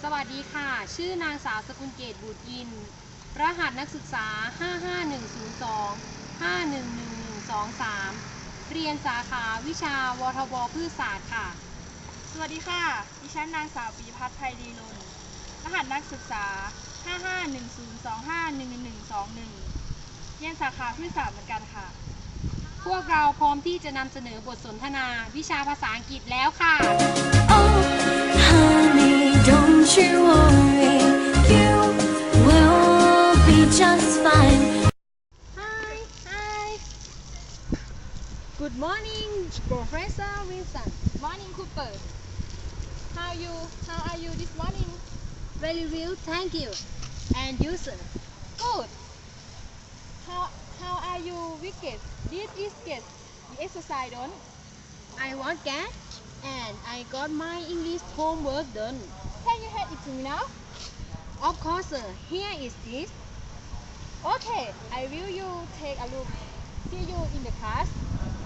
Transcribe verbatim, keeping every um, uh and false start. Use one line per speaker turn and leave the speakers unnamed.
สวัสดีค่ะ ชื่อนางสาวสกุลเกตบุตรอิน รหัสนักศึกษา ห้า ห้า หนึ่ง ศูนย์ สอง ห้า หนึ่ง หนึ่ง หนึ่ง สอง สาม เรียนสาขาวิชาวทบพืชศาสตร์ค่ะ
สวัสดีค่ะ ดิฉันนางสาวปีพัฒน์ไพดีนนท์รหัสนักศึกษา ห้า ห้า หนึ่ง ศูนย์ สอง ห้า หนึ่ง หนึ่ง สอง หนึ่ง เรียนสาขาพืชศาสตร์เหมือนกันค่ะ
พวกเราพร้อมที่จะนำเสนอบทสนทนาวิชาภาษาอังกฤษแล้วค่ะ
Oh, honey, don't you worry, you will be just fine.
Hi Hi Good morning Professor Wilson
Morning Cooper How you How are you this morning
Very well thank you And you sir
Good How How are you wicked This is get the exercise don't
I want cat and I got my English homework done.
Can you hand it to me now
Of course, sir. Here is this.
Okay I will you take a look See you in the class